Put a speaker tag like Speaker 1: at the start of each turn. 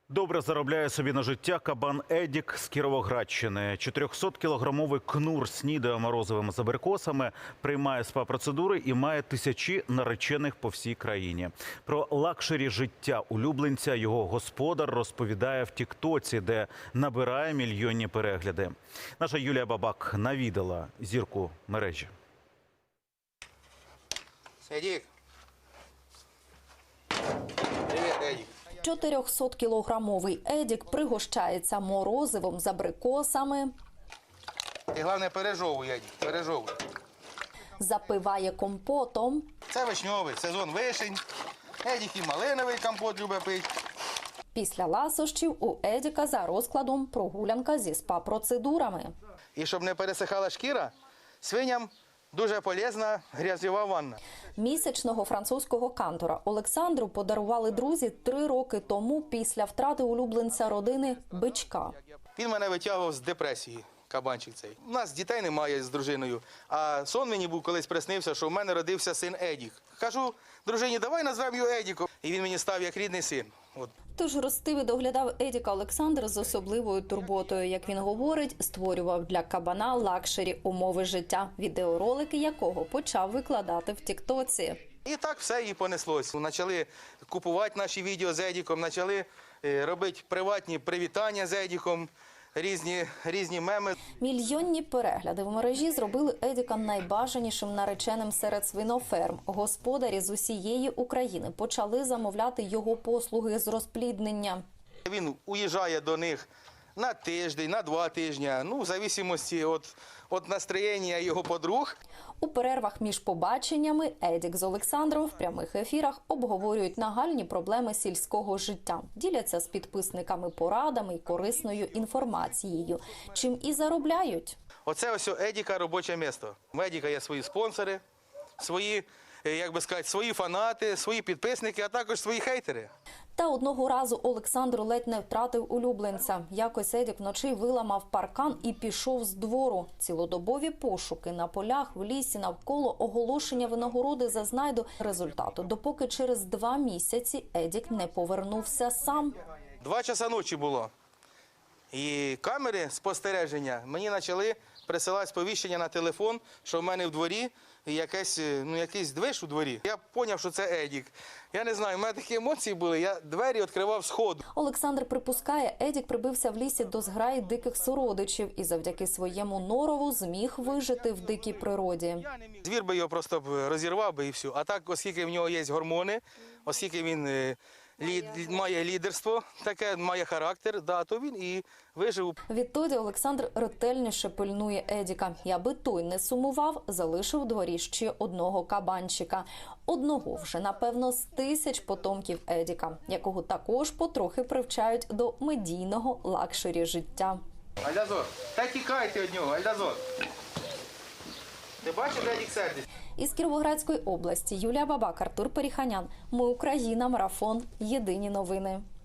Speaker 1: Добре заробляє собі на життя кабан Едік з Кіровоградщини. 400-кілограмовий кнур снідає морозивими з абрикосами, приймає спа-процедури і має тисячі наречених по всій країні. Про лакшері життя улюбленця його господар розповідає в тіктоці, де набирає мільйонні перегляди. Наша Юлія Бабак навідала зірку мережі.
Speaker 2: Едік. Привіт, Едік.
Speaker 3: 400-кілограмовий Едік пригощається морозивом з абрикосами,
Speaker 2: Ти, головне, пережовуй, Едік, пережовуй.
Speaker 3: запиває компотом,
Speaker 2: Це вишньовий, сезон вишень. Едік і малиновий компот любить пити.
Speaker 3: після ласощів у Едіка за розкладом прогулянка зі спа-процедурами.
Speaker 2: І щоб не пересихала шкіра, свиням дуже полезна грязьова ванна.
Speaker 3: Місячного французького кантора Олександру подарували друзі 3 роки тому після втрати улюбленця родини – бичка.
Speaker 2: Він мене витягував з депресії, кабанчик цей. У нас дітей немає з дружиною, а сон мені був колись приснився, що в мене родився син Едік. Кажу дружині, давай назвемо його Едіком. І він мені став як рідний син. От.
Speaker 3: Тож ростив і доглядав Едіка Олександр з особливою турботою. Як він говорить, створював для кабана лакшері умови життя, відеоролики якого почав викладати в тіктоці.
Speaker 2: І так все і понеслось. Почали купувати наші відео з Едіком, почали робити приватні привітання з Едіком, різні меми.
Speaker 3: Мільйонні перегляди в мережі зробили Едіка найбажанішим нареченим серед свиноферм. Господарі з усієї України почали замовляти його послуги з розпліднення.
Speaker 2: Він уїжджає до них на тиждень, на 2 тижні, в зависимості від настроєння його подруг.
Speaker 3: У перервах між побаченнями Едік з Олександром в прямих ефірах обговорюють нагальні проблеми сільського життя. Діляться з підписниками порадами і корисною інформацією. Чим і заробляють.
Speaker 2: Оце ось Едіка робоче місто. У Едіка є свої спонсори, свої, свої фанати, свої підписники, а також свої хейтери.
Speaker 3: Та одного разу Олександр ледь не втратив улюбленця. Якось Едік вночі виламав паркан і пішов з двору. Цілодобові пошуки на полях, в лісі, навколо, оголошення винагороди за знайду результату. Допоки через 2 місяці Едік не повернувся сам.
Speaker 2: 2 часа ночі було. І камери спостереження мені почали присилати сповіщення на телефон, що в мене в дворі якийсь движ у дворі. Я зрозумів, що це Едік. Я не знаю, в мене такі емоції були, я двері відкривав сходу.
Speaker 3: Олександр припускає, Едік прибився в лісі до зграї диких сородичів і завдяки своєму норову зміг вижити в дикій природі.
Speaker 2: Звір би його просто розірвав би і все. А так, оскільки в нього є гормони, оскільки він має лідерство, таке має характер, то він і вижив.
Speaker 3: Відтоді Олександр ретельніше пильнує Едіка. І аби той не сумував, залишив у дворі ще одного кабанчика. Одного вже, напевно, з 1000 потомків Едіка, якого також потрохи привчають до медійного лакшері життя.
Speaker 2: Альдазор, та тікайте від нього, Альдазор. Ти бачиш, Едік сердить?
Speaker 3: Із Кіровоградської області Юлія Бабак, Артур Періханян. Ми Україна. Марафон. Єдині новини.